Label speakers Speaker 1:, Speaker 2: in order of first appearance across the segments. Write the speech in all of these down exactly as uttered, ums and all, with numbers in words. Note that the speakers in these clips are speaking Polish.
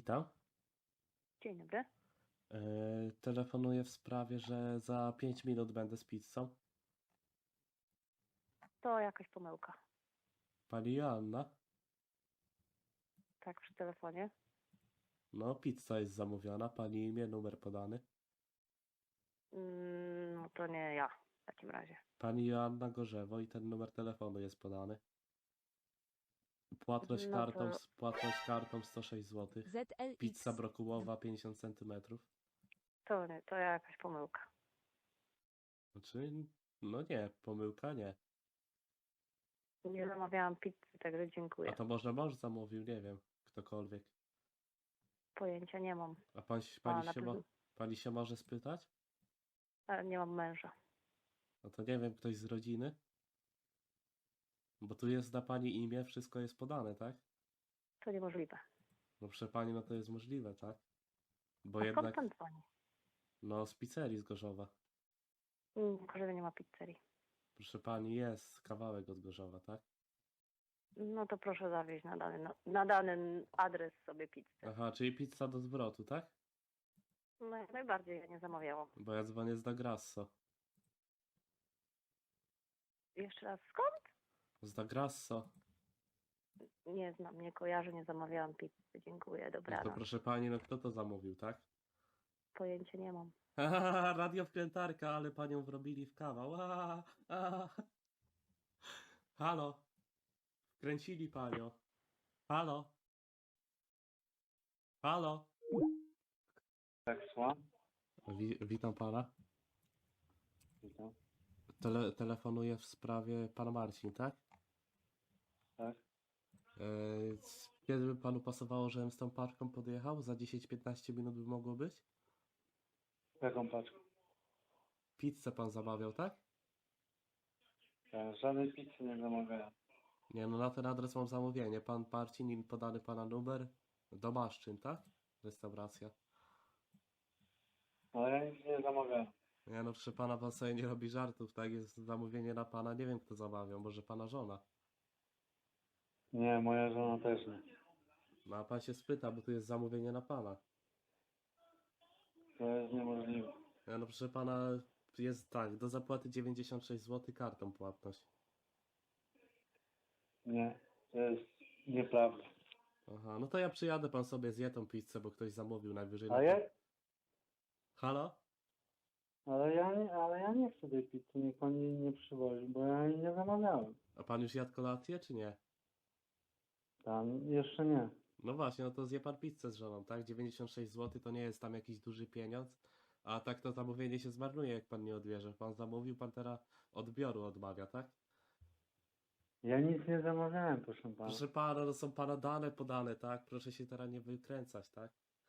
Speaker 1: Witam.
Speaker 2: Dzień dobry.
Speaker 1: Yy, telefonuję w sprawie, że za pięć minut będę z pizzą.
Speaker 2: To jakaś pomyłka.
Speaker 1: Pani Joanna?
Speaker 2: Tak, przy telefonie.
Speaker 1: No, pizza jest zamówiona. Pani imię, numer podany.
Speaker 2: Mm, No to nie ja w takim razie.
Speaker 1: Pani Joanna Gorzewo i ten numer telefonu jest podany. Płatność
Speaker 2: No
Speaker 1: kartą,
Speaker 2: to,
Speaker 1: płatność kartą sto sześć złotych. Pizza
Speaker 3: Z L X.
Speaker 1: brokułowa pięćdziesiąt centymetrów.
Speaker 2: to nie, to jakaś pomyłka.
Speaker 1: Znaczy, no nie, pomyłka nie.
Speaker 2: Nie zamawiałam pizzy, także
Speaker 1: A
Speaker 2: dziękuję.
Speaker 1: to może mąż zamówił, nie wiem, ktokolwiek.
Speaker 2: Pojęcia nie mam.
Speaker 1: A pani,
Speaker 2: A,
Speaker 1: pani,
Speaker 2: na
Speaker 1: się,
Speaker 2: pewno.
Speaker 1: mo, pani się może spytać?
Speaker 2: Ale nie mam męża.
Speaker 1: No to nie wiem, ktoś z rodziny? Bo tu jest na pani imię, wszystko jest podane, tak?
Speaker 2: To niemożliwe.
Speaker 1: No proszę pani, no to jest możliwe, tak? Bo
Speaker 2: A skąd
Speaker 1: jednak,
Speaker 2: pan dzwoni?
Speaker 1: no z pizzerii z Gorzowa.
Speaker 2: Mm, W Gorzowie nie ma pizzerii.
Speaker 1: Proszę pani, jest kawałek od Gorzowa, tak?
Speaker 2: No to proszę zawieźć na dany, na, na dany adres sobie pizzę.
Speaker 1: Aha, czyli pizza do zwrotu, tak?
Speaker 2: No jak najbardziej, ja nie zamawiałam.
Speaker 1: Bo ja dzwonię z Da Grasso.
Speaker 2: Jeszcze raz, skąd?
Speaker 1: Z Da Grasso.
Speaker 2: Nie znam, nie kojarzę, nie zamawiałam pizzy. Dziękuję,
Speaker 1: No to
Speaker 2: dobranoc.
Speaker 1: proszę pani, no kto to zamówił, tak?
Speaker 2: Pojęcia nie mam.
Speaker 1: Haha, radio wkrętarka, ale panią wrobili w kawał. A, a. Halo? Wkręcili panią. Halo? Halo?
Speaker 4: Tak, słucham?
Speaker 1: Wi witam pana.
Speaker 4: Witam.
Speaker 1: Tele telefonuję w sprawie pana Marcin, tak?
Speaker 4: Tak?
Speaker 1: E, Kiedy by panu pasowało, żebym z tą paczką podjechał? Za dziesięć piętnaście minut by mogło być?
Speaker 4: Jaką paczką?
Speaker 1: Pizzę pan zamawiał, tak?
Speaker 4: Ja żadnej pizzy nie zamawiałem.
Speaker 1: Nie, no na ten adres mam zamówienie. Pan Marcin i podany pana numer. Domaszczyn, tak? Restauracja.
Speaker 4: Ale ja nic nie zamawiałem.
Speaker 1: Nie no, proszę pana, pan sobie nie robi żartów, tak? Jest zamówienie na pana, nie wiem kto zamawiał, może pana żona.
Speaker 4: Nie, moja żona też nie.
Speaker 1: No a pan się spyta, bo tu jest zamówienie na pana.
Speaker 4: To jest niemożliwe.
Speaker 1: Nie no, proszę pana, jest tak, do zapłaty dziewięćdziesiąt sześć złotych kartą płatność.
Speaker 4: Nie, to jest nieprawda.
Speaker 1: Aha, no to ja przyjadę, pan sobie zje tą pizzę, bo ktoś zamówił najwyżej na
Speaker 4: A
Speaker 1: to-
Speaker 4: ja,
Speaker 1: Halo?
Speaker 4: ale ja nie, ale ja nie chcę tej pizzy, niech pan jej nie przywozi, bo ja jej nie zamawiałem.
Speaker 1: A pan już jadł kolację, czy nie?
Speaker 4: Tam jeszcze nie.
Speaker 1: No właśnie, no to zje pan pizzę z żoną, tak? dziewięćdziesiąt sześć złotych to nie jest tam jakiś duży pieniądz, a tak to zamówienie się zmarnuje, jak pan nie odbierze. Pan zamówił, pan teraz odbioru odmawia, tak?
Speaker 4: Ja nic nie zamawiałem, proszę pana.
Speaker 1: Proszę pana, to są pana dane podane, tak? Proszę się teraz nie wykręcać, tak?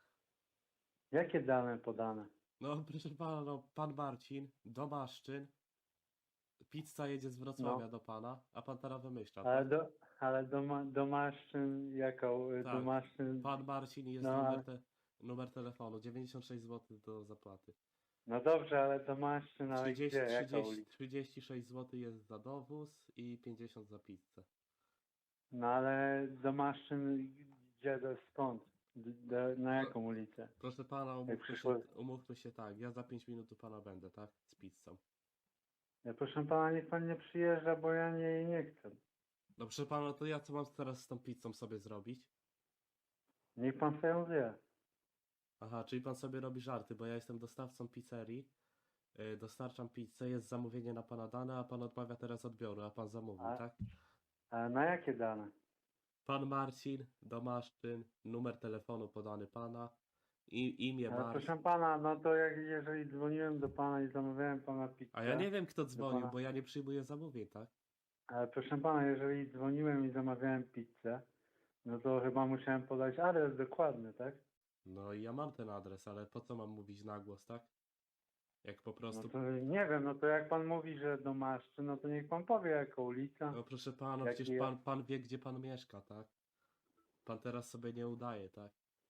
Speaker 4: Jakie dane podane?
Speaker 1: No, proszę pana, no, pan Marcin, Domaszczyn, pizza jedzie z Wrocławia
Speaker 4: No.
Speaker 1: do pana, a pan teraz wymyśla,
Speaker 4: Ale
Speaker 1: tak?
Speaker 4: do, ale doma, domaszczyn, jaką, y,
Speaker 1: Tak.
Speaker 4: domaszczyn,
Speaker 1: Pan Marcin i jest
Speaker 4: No,
Speaker 1: numer,
Speaker 4: ale-
Speaker 1: te, numer telefonu, dziewięćdziesiąt sześć złotych do zapłaty.
Speaker 4: no dobrze, ale domaszczyn, ale
Speaker 1: trzydzieści,
Speaker 4: gdzie, jaka
Speaker 1: trzydzieści,
Speaker 4: ulica?
Speaker 1: trzydzieści sześć złotych jest za dowóz i pięćdziesiąt za pizzę.
Speaker 4: No ale domaszczyn, gdzie, do, skąd? Do, na jaką ulicę?
Speaker 1: Proszę pana, umówmy się,
Speaker 4: przyszło-
Speaker 1: umówmy się tak, ja za pięć minut u pana będę, tak? Z pizzą.
Speaker 4: Ja proszę pana, niech pan nie przyjeżdża, bo ja nie, nie chcę.
Speaker 1: No proszę pana, to ja co mam teraz z tą pizzą sobie zrobić?
Speaker 4: Niech pan sobie ją zje.
Speaker 1: Aha, czyli pan sobie robi żarty, bo ja jestem dostawcą pizzerii, yy, dostarczam pizzę, jest zamówienie na pana dane, a pan odmawia teraz odbioru, a pan zamówił,
Speaker 4: A-
Speaker 1: tak?
Speaker 4: A na jakie dane?
Speaker 1: Pan Marcin, Domaszczyn, numer telefonu podany pana, i, imię
Speaker 4: Ale
Speaker 1: Marcin.
Speaker 4: proszę pana, no to jak jeżeli dzwoniłem do pana i zamawiałem pana pizzę.
Speaker 1: A ja nie wiem kto dzwonił,
Speaker 4: pana-
Speaker 1: bo ja nie przyjmuję zamówień, tak?
Speaker 4: Ale proszę pana, jeżeli dzwoniłem i zamawiałem pizzę, no to chyba musiałem podać adres dokładny, tak?
Speaker 1: No i ja mam ten adres, ale po co mam mówić na głos, tak? Jak po
Speaker 4: No
Speaker 1: prostu...
Speaker 4: to nie wiem, no to jak pan mówi, że domaszczy, no to niech pan powie jaka ulica.
Speaker 1: No proszę pana,
Speaker 4: Jaki
Speaker 1: przecież pan,
Speaker 4: jest?
Speaker 1: pan wie, gdzie pan mieszka, tak? Pan teraz sobie nie udaje, tak?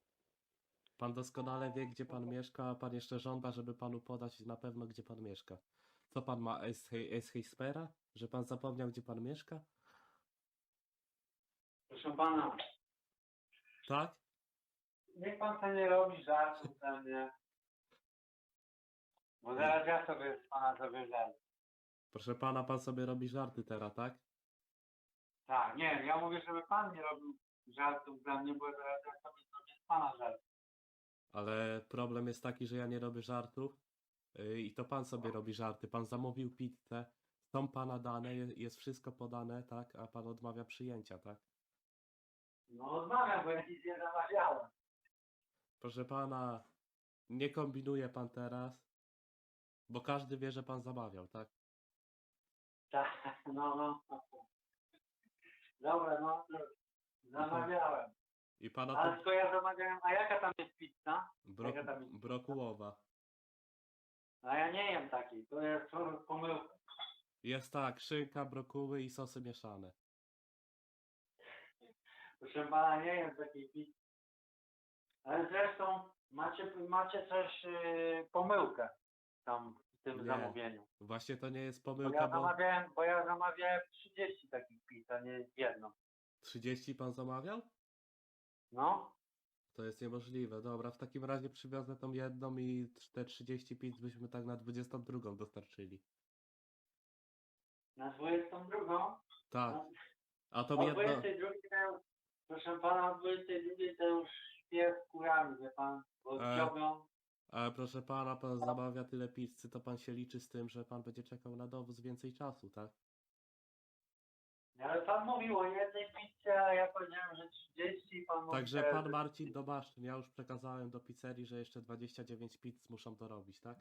Speaker 1: Pan doskonale wie, gdzie pan mieszka, a pan jeszcze żąda, żeby panu podać na pewno, gdzie pan mieszka. Co pan ma, Alzheimera? Że pan zapomniał, gdzie pan mieszka?
Speaker 4: Proszę pana,
Speaker 1: Tak?
Speaker 4: niech pan sobie nie robi żartów ze mnie. Bo zaraz ja sobie z pana zrobię żart.
Speaker 1: Proszę pana, pan sobie robi żarty teraz, tak?
Speaker 4: Tak, nie, ja mówię, żeby pan nie robił żartów ze mnie, bo zaraz ja sobie zrobię z pana żart.
Speaker 1: Ale problem jest taki, że ja nie robię żartów yy, i to pan sobie robi żarty. Pan zamówił pizzę, są pana dane, je- jest wszystko podane, tak? A pan odmawia przyjęcia, tak?
Speaker 4: No odmawiam, bo ja nic nie zamawiałem.
Speaker 1: Proszę pana, nie kombinuje pan teraz, bo każdy wie, że pan zamawiał, tak?
Speaker 4: Tak, no, no. Dobra, no, to zamawiałem.
Speaker 1: I pana
Speaker 4: Ale
Speaker 1: to
Speaker 4: tylko ja zamawiałem, a jaka tam jest pizza?
Speaker 1: bro,
Speaker 4: jaka tam jest?
Speaker 1: brokułowa.
Speaker 4: A ja nie jem takiej, to jest pomyłka.
Speaker 1: Jest tak, szynka, brokuły i sosy mieszane.
Speaker 4: Proszę pana, nie jem takiej pizzy. Ale zresztą macie, macie coś, yy, pomyłkę tam w tym
Speaker 1: Nie.
Speaker 4: zamówieniu.
Speaker 1: Właśnie to nie jest
Speaker 4: Bo ja
Speaker 1: pomyłka, bo
Speaker 4: zamawiałem, bo ja zamawiałem trzydzieści takich pizz, a nie jedną.
Speaker 1: trzydzieści pan zamawiał?
Speaker 4: No,
Speaker 1: To jest niemożliwe. Dobra, w takim razie przywiozę tą jedną i te trzydzieści pięć byśmy tak na dwudziestą drugą dostarczyli.
Speaker 4: na dwudziestą drugą.
Speaker 1: Tak.
Speaker 4: No,
Speaker 1: A tą
Speaker 4: o
Speaker 1: jedną...
Speaker 4: dwudziestej drugiej to już, proszę pana, o dwudziestej drugiej to już śpię z kurami, wie pan, bo
Speaker 1: E.
Speaker 4: dziobią.
Speaker 1: Ale proszę pana, pan zamawia tyle pizzy, to pan się liczy z tym, że pan będzie czekał na dowóz więcej czasu, tak?
Speaker 4: Ale pan mówił o jednej pizzy, a ja powiedziałem, że trzydzieści i pan mówi,
Speaker 1: Także
Speaker 4: że-
Speaker 1: pan Marcin Dobaszczyn, ja już przekazałem do pizzerii, że jeszcze dwadzieścia dziewięć pizz muszą dorobić, tak?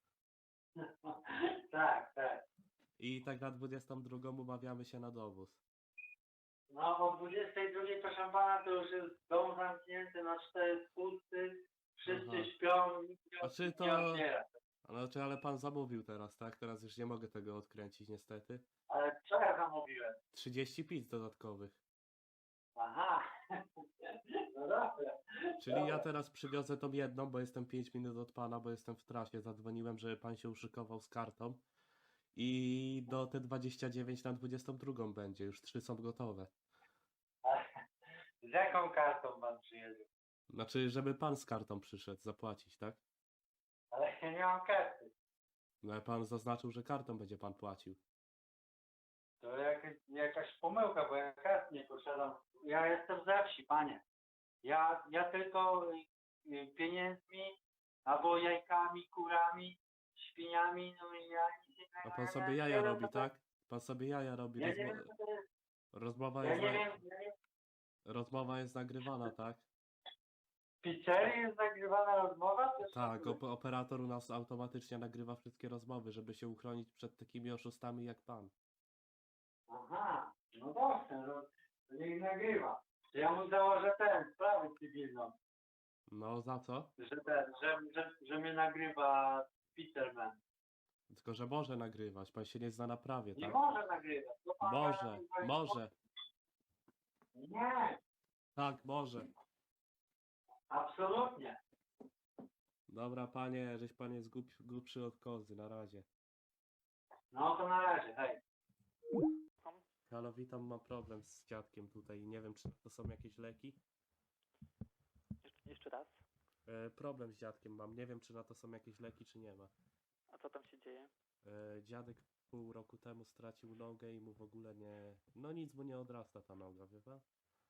Speaker 4: Tak, tak.
Speaker 1: I tak na dwudziestą drugą umawiamy się na dowóz.
Speaker 4: No o dwudziestej drugiej, proszę pana, to już jest dom zamknięty na cztery spusty, wszyscy
Speaker 1: Aha.
Speaker 4: śpią, nikt nie,
Speaker 1: A czy
Speaker 4: nikt
Speaker 1: to-
Speaker 4: nie otwiera.
Speaker 1: Znaczy, ale pan zamówił teraz, tak? Teraz już nie mogę tego odkręcić niestety.
Speaker 4: Ale co ja zamówiłem?
Speaker 1: trzydzieści pizz dodatkowych.
Speaker 4: Aha, no dobra.
Speaker 1: Czyli ja teraz przywiozę tą jedną, bo jestem pięć minut od pana, bo jestem w trasie. Zadzwoniłem, żeby pan się uszykował z kartą. I do te dwadzieścia dziewięć na dwudziestą drugą będzie, już trzy są gotowe.
Speaker 4: Z jaką kartą pan przyjedzie?
Speaker 1: Znaczy, żeby pan z kartą przyszedł zapłacić, tak?
Speaker 4: Ale ja nie mam karty.
Speaker 1: No ale pan zaznaczył, że kartą będzie pan płacił.
Speaker 4: To jakaś, jakaś pomyłka, bo ja kart nie posiadam. Ja jestem ze wsi, panie. Ja, ja tylko y, y, pieniędzmi, albo jajkami, kurami, świniami, no i ja nic innego.
Speaker 1: A pan
Speaker 4: ja
Speaker 1: sobie
Speaker 4: nie-
Speaker 1: jaja
Speaker 4: nie wiem,
Speaker 1: robi,
Speaker 4: co to-
Speaker 1: tak? Pan sobie jaja robi.
Speaker 4: Ja nie
Speaker 1: Rozmo
Speaker 4: wiem, co to jest.
Speaker 1: rozmowa,
Speaker 4: Ja
Speaker 1: jest
Speaker 4: nie
Speaker 1: na
Speaker 4: wiem, ja nie...
Speaker 1: rozmowa jest nagrywana, tak?
Speaker 4: W pizzerii jest nagrywana rozmowa? To jest
Speaker 1: Tak,
Speaker 4: szokuje.
Speaker 1: op operator u nas automatycznie nagrywa wszystkie rozmowy, żeby się uchronić przed takimi oszustami jak pan.
Speaker 4: Aha, no dobrze, no, to niech nagrywa. To ja mu założę ten, sprawę cywilną,
Speaker 1: No za co?
Speaker 4: że ten, że, że, że mnie nagrywa Peterman.
Speaker 1: Tylko, że może nagrywać, pan się nie zna na prawie,
Speaker 4: Nie
Speaker 1: tak?
Speaker 4: może nagrywać. To pan
Speaker 1: Może,
Speaker 4: nagrywa-
Speaker 1: może,
Speaker 4: Nie,
Speaker 1: tak, może.
Speaker 4: absolutnie.
Speaker 1: Dobra, panie, żeś pan jest głup, głupszy od kozy, na razie.
Speaker 4: No to na razie, hej.
Speaker 1: Halo, witam, mam problem z dziadkiem tutaj, nie wiem, czy to są jakieś leki?
Speaker 3: Jeszcze, jeszcze raz.
Speaker 1: E, problem z dziadkiem mam, nie wiem, czy na to są jakieś leki, czy nie ma.
Speaker 3: A co tam się dzieje?
Speaker 1: E, dziadek pół roku temu stracił nogę i mu w ogóle nie... No nic mu nie odrasta ta noga, wie pan?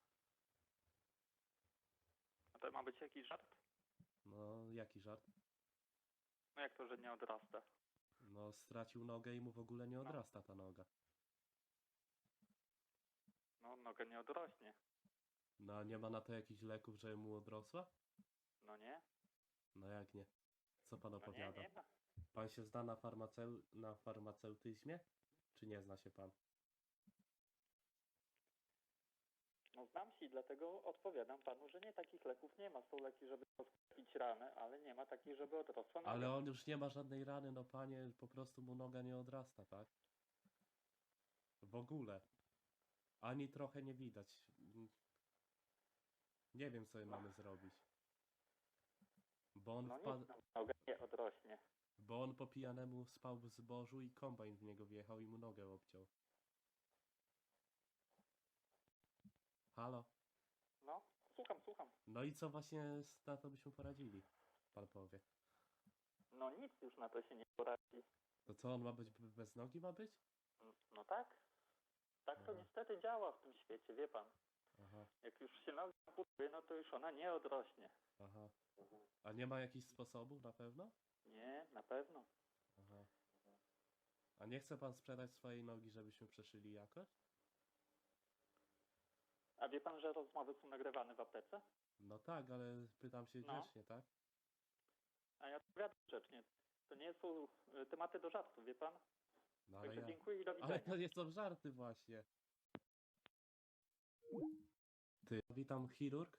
Speaker 3: A to ma być jakiś żart?
Speaker 1: No, jaki żart?
Speaker 3: No jak to, że nie odrasta?
Speaker 1: No, stracił nogę i mu w ogóle nie odrasta ta noga.
Speaker 3: No noga nie odrośnie.
Speaker 1: No, a nie ma na to jakichś leków, żeby mu odrosła?
Speaker 3: No nie?
Speaker 1: No jak nie? Co pan
Speaker 3: No nie,
Speaker 1: opowiada?
Speaker 3: nie ma.
Speaker 1: Pan się zna na, farmaceu na farmaceutyzmie? Czy nie zna się pan?
Speaker 3: No znam się i dlatego odpowiadam panu, że nie, takich leków nie ma. Są leki, żeby rozkropić ranę, ale nie ma takich, żeby odrosła noga.
Speaker 1: Ale on już nie ma żadnej rany, no panie, po prostu mu noga nie odrasta, tak? W ogóle. Ani trochę nie widać. Mm. Nie wiem, co mamy zrobić. Bo on,
Speaker 3: No
Speaker 1: wpadł,
Speaker 3: nic, no, noga nie odrośnie.
Speaker 1: bo on po pijanemu spał w zbożu i kombajn w niego wjechał i mu nogę obciął. Halo?
Speaker 3: No, słucham, słucham.
Speaker 1: No i co właśnie z- na to byśmy poradzili? Pan powie.
Speaker 3: No nic już na to się nie poradzi.
Speaker 1: To co, on ma być b- bez nogi ma być?
Speaker 3: N- No tak. Tak to
Speaker 1: Aha.
Speaker 3: niestety działa w tym świecie, wie pan.
Speaker 1: Aha,
Speaker 3: Jak już się noga amputuje, no to już ona nie odrośnie.
Speaker 1: aha. A nie ma jakichś sposobów na pewno?
Speaker 3: Nie, na pewno.
Speaker 1: Aha. A nie chce pan sprzedać swojej nogi, żebyśmy przeszyli jakoś?
Speaker 3: A wie pan, że rozmowy są nagrywane w aptece?
Speaker 1: No tak, ale pytam się
Speaker 3: No.
Speaker 1: grzecznie, tak?
Speaker 3: A ja odpowiadam grzecznie. To nie są y, tematy do żartu, wie pan?
Speaker 1: No ale
Speaker 3: Także
Speaker 1: ja...
Speaker 3: dziękuję i do widzenia.
Speaker 1: Ale to nie są żarty właśnie. Ty, witam chirurg?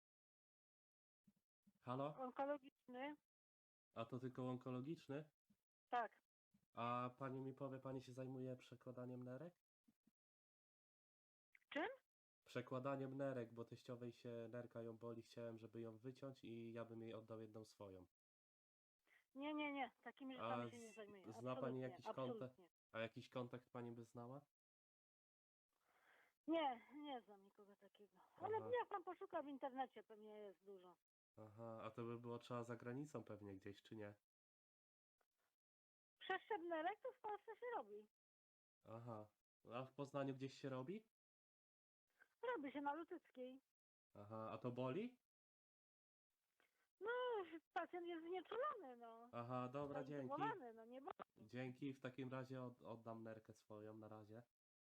Speaker 1: Halo?
Speaker 2: Onkologiczny?
Speaker 1: A to tylko onkologiczny?
Speaker 2: Tak.
Speaker 1: A pani mi powie, pani się zajmuje przekładaniem nerek?
Speaker 2: Czym?
Speaker 1: Przekładaniem nerek, bo teściowej się nerka ją boli, chciałem, żeby ją wyciąć i ja bym jej oddał jedną swoją.
Speaker 2: Nie, nie, nie. Takimi
Speaker 1: A
Speaker 2: rzeczami się nie
Speaker 1: z-
Speaker 2: zajmuję.
Speaker 1: zna pani
Speaker 2: Absolutnie,
Speaker 1: jakiś kontakt?
Speaker 2: absolutnie.
Speaker 1: A jakiś kontakt pani by znała?
Speaker 2: Nie, nie znam nikogo takiego. Ale
Speaker 1: Aha.
Speaker 2: niech pan poszuka w internecie, pewnie jest dużo.
Speaker 1: Aha, a to by było trzeba za granicą pewnie gdzieś, czy nie?
Speaker 2: Przeszczep nerek to w Polsce się robi.
Speaker 1: Aha. A w Poznaniu gdzieś się robi?
Speaker 2: Robi się na Lutyckiej.
Speaker 1: Aha, a to boli?
Speaker 2: No, pacjent jest znieczulony, no.
Speaker 1: Aha, dobra, dzięki.
Speaker 2: Zadowolony, no nie boli.
Speaker 1: Dzięki, w takim razie od, oddam nerkę swoją na razie.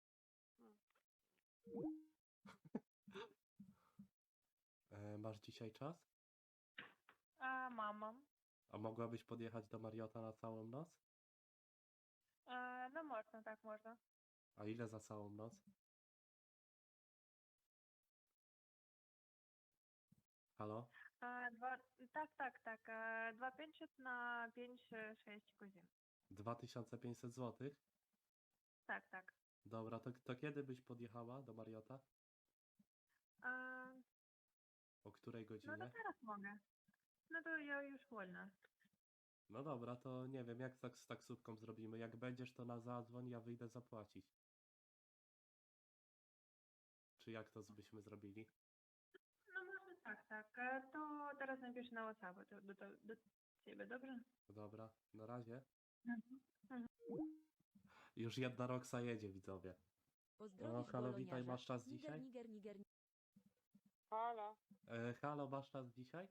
Speaker 1: E, masz dzisiaj czas?
Speaker 5: A, mam, mam.
Speaker 1: A mogłabyś podjechać do Mariota na całą noc?
Speaker 5: A, no można, tak można.
Speaker 1: A ile za całą noc? Halo?
Speaker 5: A, dwa, tak, tak, tak. A, dwa pięćset na pięć, e, sześć godzin.
Speaker 1: dwa tysiące pięćset złotych?
Speaker 5: Tak, tak.
Speaker 1: Dobra, to, to kiedy byś podjechała do Mariota?
Speaker 5: A,
Speaker 1: O której
Speaker 5: no to
Speaker 1: godzinie?
Speaker 5: teraz mogę. No to ja już wolna.
Speaker 1: No dobra, to nie wiem, jak tak z taksówką zrobimy. Jak będziesz, to na zadzwoń, ja wyjdę zapłacić. Czy jak to byśmy zrobili?
Speaker 5: No można tak, tak. E, To teraz napiszę na WhatsApp do, do, do, do ciebie, dobrze?
Speaker 1: Dobra, na razie.
Speaker 5: Mhm.
Speaker 1: Już jedna Roxa jedzie, widzowie.
Speaker 6: Pozdrowisz
Speaker 1: O, halo, witaj,
Speaker 6: Boloniarza.
Speaker 1: masz czas
Speaker 6: Niger,
Speaker 1: dzisiaj?
Speaker 6: Niger, Niger,
Speaker 2: Halo.
Speaker 1: E, halo, masz czas dzisiaj?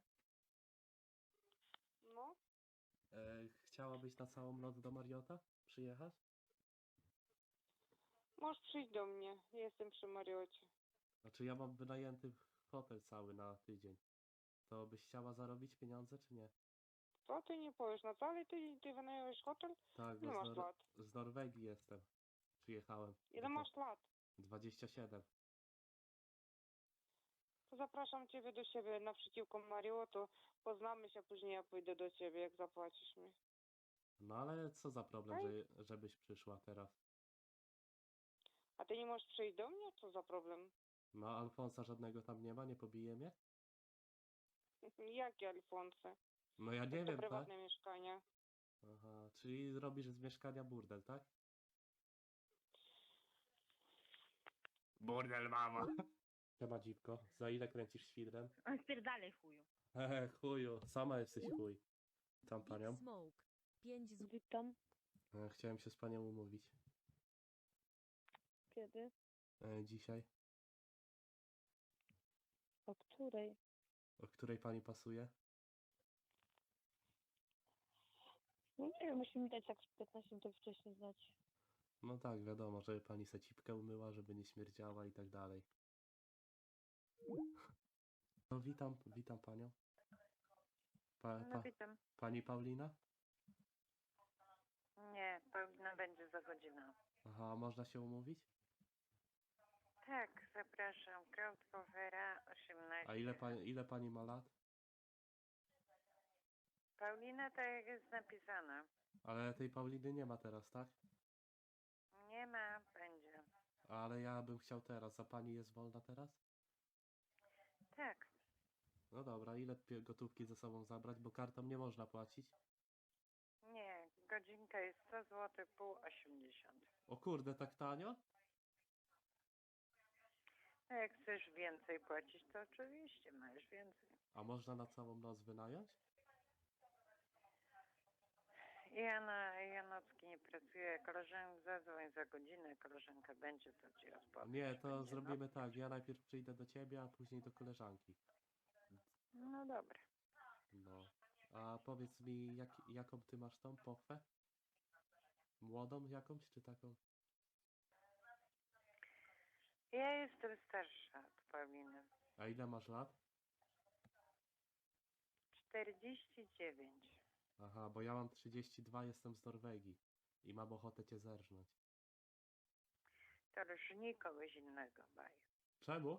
Speaker 2: No,
Speaker 1: E, chciałabyś na całą noc do Mariota przyjechać?
Speaker 7: Możesz przyjść do mnie. Jestem przy Mariocie.
Speaker 1: Znaczy ja mam wynajęty hotel cały na tydzień. To byś chciała zarobić pieniądze, czy nie?
Speaker 7: Co ty nie powiesz? Na cały tydzień ty wynająłeś hotel?
Speaker 1: Tak,
Speaker 7: Ile
Speaker 1: bo
Speaker 7: masz
Speaker 1: z, Nor-
Speaker 7: lat?
Speaker 1: z Norwegii jestem. Przyjechałem.
Speaker 7: Ile
Speaker 1: Do-
Speaker 7: masz lat?
Speaker 1: dwadzieścia siedem.
Speaker 7: To zapraszam ciebie do siebie naprzeciwko Mariotu. Poznamy się, później ja pójdę do ciebie, jak zapłacisz mi.
Speaker 1: No ale co za problem,
Speaker 7: Okej.
Speaker 1: że, żebyś przyszła teraz?
Speaker 7: A ty nie możesz przyjść do mnie? Co za problem?
Speaker 1: No Alfonsa żadnego tam nie ma, nie pobije mnie?
Speaker 7: Jakie Alfonsy?
Speaker 1: No ja nie
Speaker 7: To
Speaker 1: wiem, tak?
Speaker 7: prywatne mieszkania.
Speaker 1: Aha, czyli zrobisz z mieszkania burdel, tak? Burdel, mama! Siema dziwko, za ile kręcisz świdrem?
Speaker 2: spierdalej chuju.
Speaker 1: Hehe, chuju, sama jesteś chuj. Tam
Speaker 6: Big
Speaker 1: panią.
Speaker 6: Smoke. pięć zł.
Speaker 2: Witam.
Speaker 1: E, Chciałem się z panią umówić.
Speaker 2: Kiedy?
Speaker 1: E, Dzisiaj.
Speaker 2: O której?
Speaker 1: O której pani pasuje?
Speaker 2: No nie wiem, musimy dać tak piętnaście minut wcześniej znać.
Speaker 1: No tak, wiadomo, żeby pani se cipkę umyła, żeby nie śmierdziała i tak dalej. No witam, witam panią. Pa,
Speaker 2: No
Speaker 1: pa,
Speaker 2: witam.
Speaker 1: pani Paulina?
Speaker 2: Nie, Paulina będzie za godzinę.
Speaker 1: Aha, a można się umówić?
Speaker 2: Tak, zapraszam. Crowdcovera osiemnaście.
Speaker 1: A ile pani, ile pani ma lat?
Speaker 2: Paulina tak jak jest napisane.
Speaker 1: Ale tej Pauliny nie ma teraz, tak?
Speaker 2: Nie ma, będzie.
Speaker 1: Ale ja bym chciał teraz, a pani jest wolna teraz?
Speaker 2: Tak.
Speaker 1: No dobra, ile pie- gotówki ze sobą zabrać, bo kartą nie można płacić?
Speaker 2: Nie, godzinka jest sto złotych, pół osiemdziesiąt.
Speaker 1: O kurde, tak tanio?
Speaker 8: A jak chcesz więcej płacić, to oczywiście masz więcej.
Speaker 1: A można na całą noc wynająć?
Speaker 8: Ja na ja nocki nie pracuję. Koleżanka zadzwoń za godzinę, koleżanka będzie, to ci rozpowiem.
Speaker 1: Nie,
Speaker 8: czy
Speaker 1: to
Speaker 8: będzie
Speaker 1: zrobimy
Speaker 8: nocka,
Speaker 1: tak.
Speaker 8: czy-
Speaker 1: Ja najpierw przyjdę do ciebie, a później do koleżanki.
Speaker 8: No dobra.
Speaker 1: No. A powiedz mi, jak, jaką ty masz tą pochwę? Młodą jakąś, czy taką?
Speaker 8: Ja jestem starsza od Pauliny.
Speaker 1: A ile masz lat?
Speaker 8: czterdzieści dziewięć.
Speaker 1: Aha, bo ja mam trzydzieści dwa, jestem z Norwegii i mam ochotę cię zerżnąć.
Speaker 8: To już nikogoś innego baj.
Speaker 1: Czemu?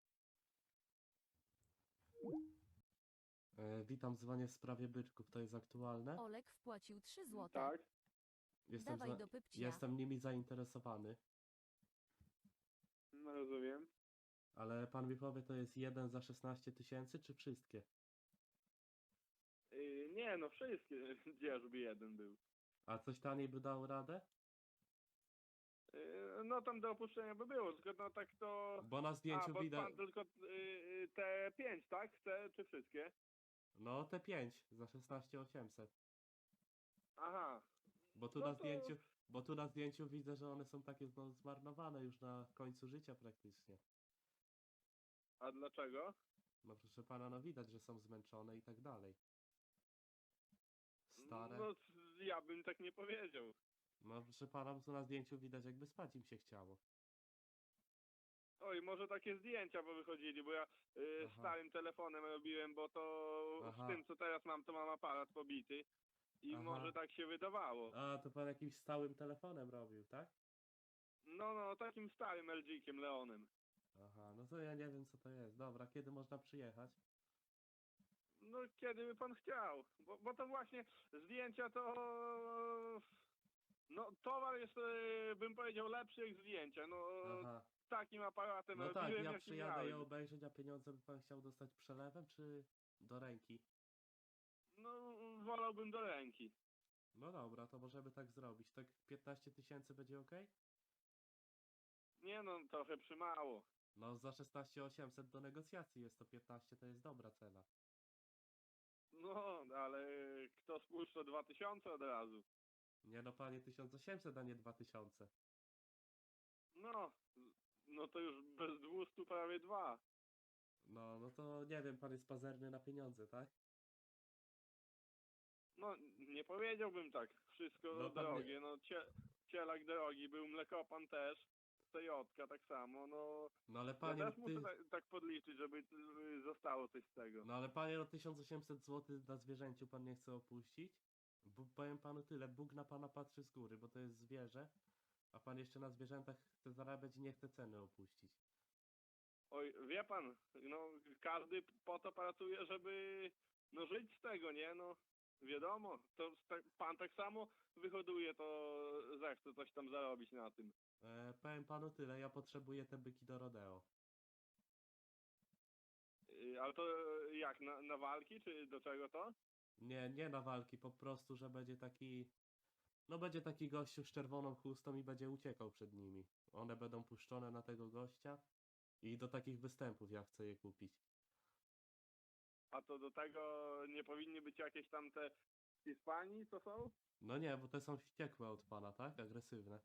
Speaker 1: E, witam, dzwonię w sprawie byczków, to jest aktualne?
Speaker 6: Olek wpłacił trzy złote.
Speaker 3: Tak?
Speaker 1: Jestem,
Speaker 6: Dawaj
Speaker 1: za-
Speaker 6: do pypcia.
Speaker 1: jestem nimi zainteresowany,
Speaker 3: No rozumiem.
Speaker 1: ale pan mi powie, to jest jeden za szesnaście tysięcy, czy wszystkie?
Speaker 3: Yy, nie, no wszystkie, gdzieżby jeden był.
Speaker 1: A coś taniej by dało radę?
Speaker 3: Yy, no tam do opuszczenia by było, tylko no tak to...
Speaker 1: Bo na
Speaker 3: A,
Speaker 1: zdjęciu
Speaker 3: bo
Speaker 1: widać...
Speaker 3: pan tylko yy, te pięć, tak? Chce, czy wszystkie?
Speaker 1: No te pięć za szesnaście osiemset.
Speaker 3: Aha.
Speaker 1: Bo tu
Speaker 3: No
Speaker 1: na
Speaker 3: to-
Speaker 1: zdjęciu, bo tu na zdjęciu widzę, że one są takie no, zmarnowane już na końcu życia praktycznie.
Speaker 3: A dlaczego?
Speaker 1: No proszę pana, no widać, że są zmęczone i tak dalej. Stare.
Speaker 3: No ja bym tak nie powiedział.
Speaker 1: No proszę pana, tu na zdjęciu widać, jakby spać im się chciało.
Speaker 3: Oj, może takie zdjęcia bo wychodzili, bo ja yy,
Speaker 1: Aha.
Speaker 3: starym telefonem robiłem, bo to
Speaker 1: Aha.
Speaker 3: z tym co teraz mam, to mam aparat pobity. I
Speaker 1: Aha.
Speaker 3: może tak się wydawało.
Speaker 1: A, to pan jakimś stałym telefonem robił, tak?
Speaker 3: No, no, takim starym L G-kiem Leonem.
Speaker 1: Aha, no to ja nie wiem, co to jest. Dobra, kiedy można przyjechać?
Speaker 3: No, kiedy by pan chciał. Bo, bo to właśnie zdjęcia to... No, towar jest, e, bym powiedział, lepszy jak zdjęcia. No,
Speaker 1: Aha.
Speaker 3: takim aparatem
Speaker 1: No tak,
Speaker 3: robiłem,
Speaker 1: ja
Speaker 3: jaki
Speaker 1: przyjadę je
Speaker 3: miałem.
Speaker 1: obejrzeć, a pieniądze by pan chciał dostać przelewem, czy do ręki?
Speaker 3: No, wolałbym do ręki.
Speaker 1: No dobra, to możemy tak zrobić. Tak piętnaście tysięcy będzie ok?
Speaker 3: Nie no, trochę przymało.
Speaker 1: No za szesnaście osiemset do negocjacji jest to piętnaście, to jest dobra cena.
Speaker 3: No, ale kto spuszcza dwa tysiące od razu?
Speaker 1: Nie no panie, tysiąc osiemset, a nie dwa tysiące.
Speaker 3: No, no to już bez dwustu prawie dwa.
Speaker 1: No, no to nie wiem, pan jest pazerny na pieniądze, tak?
Speaker 3: No, nie powiedziałbym tak. Wszystko
Speaker 1: No, pan
Speaker 3: drogie. No, cie, cielak drogi był, mlekopan też. Stojotka tak samo. No,
Speaker 1: No ale
Speaker 3: ja
Speaker 1: panie,
Speaker 3: też
Speaker 1: no,
Speaker 3: muszę
Speaker 1: ty...
Speaker 3: tak, tak podliczyć, żeby y, zostało coś z tego.
Speaker 1: no ale panie, no tysiąc osiemset złotych na zwierzęciu pan nie chce opuścić? Bo powiem panu tyle, Bóg na pana patrzy z góry, bo to jest zwierzę, a pan jeszcze na zwierzętach chce zarabiać i nie chce ceny opuścić.
Speaker 3: Oj, wie pan, no każdy po to pracuje, żeby no żyć z tego, nie? No, wiadomo, to sta- pan tak samo wyhoduje, to zechce coś tam zarobić na tym.
Speaker 1: E, powiem panu tyle, ja potrzebuję te byki do rodeo.
Speaker 3: Y, Ale to jak, na, na walki, czy do czego to?
Speaker 1: Nie, nie na walki, po prostu, że będzie taki... No będzie taki gościu z czerwoną chustą i będzie uciekał przed nimi. One będą puszczone na tego gościa i do takich występów ja chcę je kupić.
Speaker 3: A to do tego nie powinny być jakieś tam te z Hiszpanii, co są?
Speaker 1: No nie, bo te są wściekłe od pana, tak? Agresywne.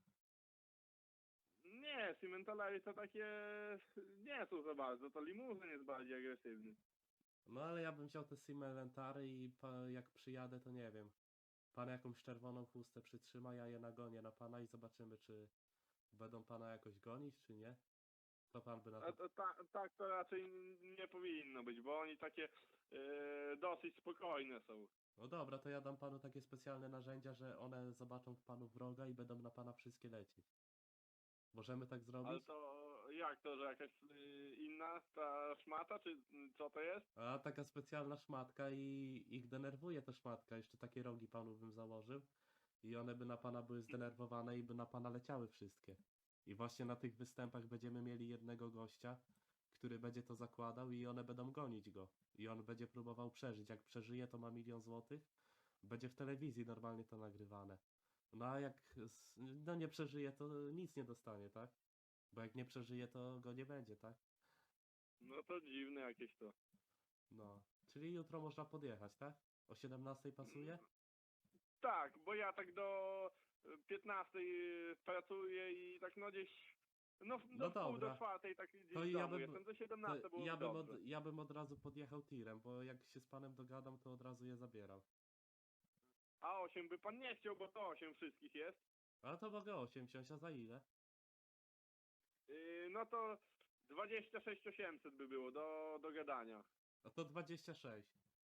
Speaker 3: Nie, Cimentalery to takie nie są za bardzo, to limuzyn jest bardziej agresywny.
Speaker 1: No ale ja bym wziął te Simelentary i pa, jak przyjadę, to nie wiem. Pan jakąś czerwoną chustę przytrzyma, ja je nagonię na pana i zobaczymy, czy będą pana jakoś gonić, czy nie. To pan by na
Speaker 3: A
Speaker 1: to...
Speaker 3: to, ta, tak to raczej nie powinno być, bo oni takie e, dosyć spokojne są.
Speaker 1: No dobra, to ja dam panu takie specjalne narzędzia, że one zobaczą w panu wroga i będą na pana wszystkie lecieć. Możemy tak zrobić?
Speaker 3: Ale to jak to, że jakaś y, inna ta szmata, czy y, co to jest?
Speaker 1: A taka specjalna szmatka i ich denerwuje ta szmatka. Jeszcze takie rogi panu bym założył i one by na pana były zdenerwowane i by na pana leciały wszystkie. I właśnie na tych występach będziemy mieli jednego gościa, który będzie to zakładał i one będą gonić go. I on będzie próbował przeżyć. Jak przeżyje, to ma milion złotych. Będzie w telewizji normalnie to nagrywane. No a jak s- no nie przeżyje, to nic nie dostanie, tak? Bo jak nie przeżyje, to go nie będzie, tak?
Speaker 3: No to dziwne jakieś to.
Speaker 1: No. Czyli jutro można podjechać, tak? O siedemnastej pasuje?
Speaker 3: Tak, bo ja tak do y, piętnastej y, pracuję i tak no gdzieś, no w-
Speaker 1: No
Speaker 3: do pół do
Speaker 1: dobra.
Speaker 3: czwartej tak gdzieś
Speaker 1: To
Speaker 3: w
Speaker 1: ja
Speaker 3: domu
Speaker 1: bym,
Speaker 3: jestem, to
Speaker 1: to
Speaker 3: siedemnastej byłoby
Speaker 1: ja bym,
Speaker 3: dobrze.
Speaker 1: od, ja bym od razu podjechał tirem, bo jak się z panem dogadam, to od razu je zabieram.
Speaker 3: A osiem by pan nie chciał, bo to osiem wszystkich jest.
Speaker 1: Ale to mogę osiem wziąć, a za ile?
Speaker 3: Yy, no to dwadzieścia sześć osiemset by było do, do gadania.
Speaker 1: A to dwadzieścia sześć.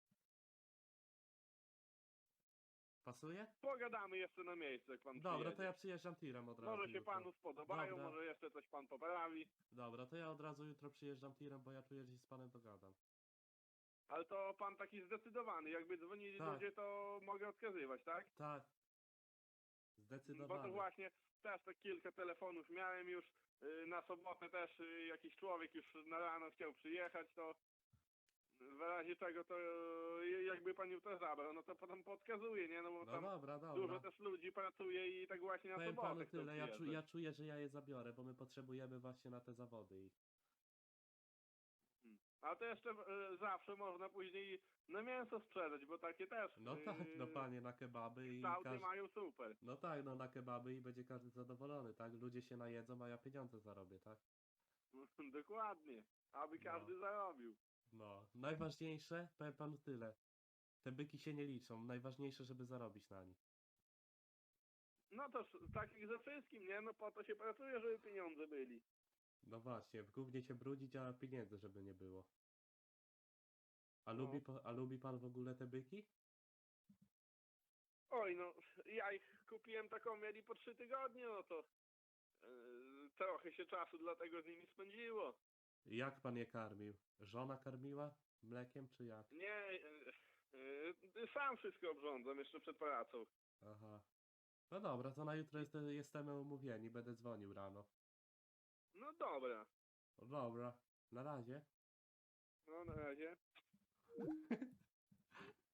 Speaker 1: Pasuje?
Speaker 3: Pogadamy jeszcze na miejscu, jak pan
Speaker 1: Dobra, to
Speaker 3: przyjedzie.
Speaker 1: ja przyjeżdżam tirem od razu
Speaker 3: Może się
Speaker 1: jutro.
Speaker 3: panu spodobają,
Speaker 1: Dobra.
Speaker 3: może jeszcze coś pan poprawi.
Speaker 1: Dobra, to ja od razu jutro przyjeżdżam tirem, bo ja czuję, że się z panem dogadam.
Speaker 3: Ale to pan taki zdecydowany, jakby dzwonili
Speaker 1: Tak.
Speaker 3: ludzie, to mogę odkazywać, tak?
Speaker 1: Tak.
Speaker 3: Bo
Speaker 1: Zdecydowanie.
Speaker 3: to właśnie też tak kilka telefonów miałem już. Yy, na sobotę też yy, jakiś człowiek już na rano chciał przyjechać, to w razie czego to yy, jakby pan jutro zabrał, no to potem podkazuje, nie? No bo
Speaker 1: No
Speaker 3: tam
Speaker 1: dobra,
Speaker 3: dużo
Speaker 1: dobra.
Speaker 3: też ludzi pracuje i tak właśnie na
Speaker 1: Powiem
Speaker 3: sobotę
Speaker 1: panu
Speaker 3: chcą
Speaker 1: tyle, ja, czu,
Speaker 3: przyjeżdżać.
Speaker 1: ja czuję, że ja je zabiorę, bo my potrzebujemy właśnie na te zawody ich.
Speaker 3: A to jeszcze e, zawsze można później na mięso sprzedać, bo takie też
Speaker 1: No
Speaker 3: e,
Speaker 1: tak, no panie, na kebaby i
Speaker 3: kształty
Speaker 1: każdy...
Speaker 3: mają super.
Speaker 1: No tak, no na kebaby i będzie każdy zadowolony, tak? Ludzie się najedzą, a ja pieniądze zarobię, tak?
Speaker 3: Dokładnie. Aby
Speaker 1: No.
Speaker 3: każdy zarobił.
Speaker 1: No, najważniejsze, powiem panu tyle. Te byki się nie liczą, najważniejsze, żeby zarobić na nich.
Speaker 3: No to s- tak jak ze wszystkim, nie? No po to się pracuje, żeby pieniądze byli.
Speaker 1: No właśnie, w gównie się brudzić, a pieniędzy żeby nie było. A,
Speaker 3: No.
Speaker 1: lubi, pa- a lubi pan w ogóle te byki?
Speaker 3: Oj, no ja ich kupiłem taką, mieli po trzy tygodnie, no to e, trochę się czasu dlatego z nimi spędziło.
Speaker 1: Jak pan je karmił? Żona karmiła? Mlekiem czy jak?
Speaker 3: Nie, e, e, sam wszystko obrządzam jeszcze przed pracą.
Speaker 1: Aha. No dobra, to na jutro jest, jesteśmy umówieni, będę dzwonił rano.
Speaker 3: No dobra.
Speaker 1: No dobra, na razie.
Speaker 3: No na razie.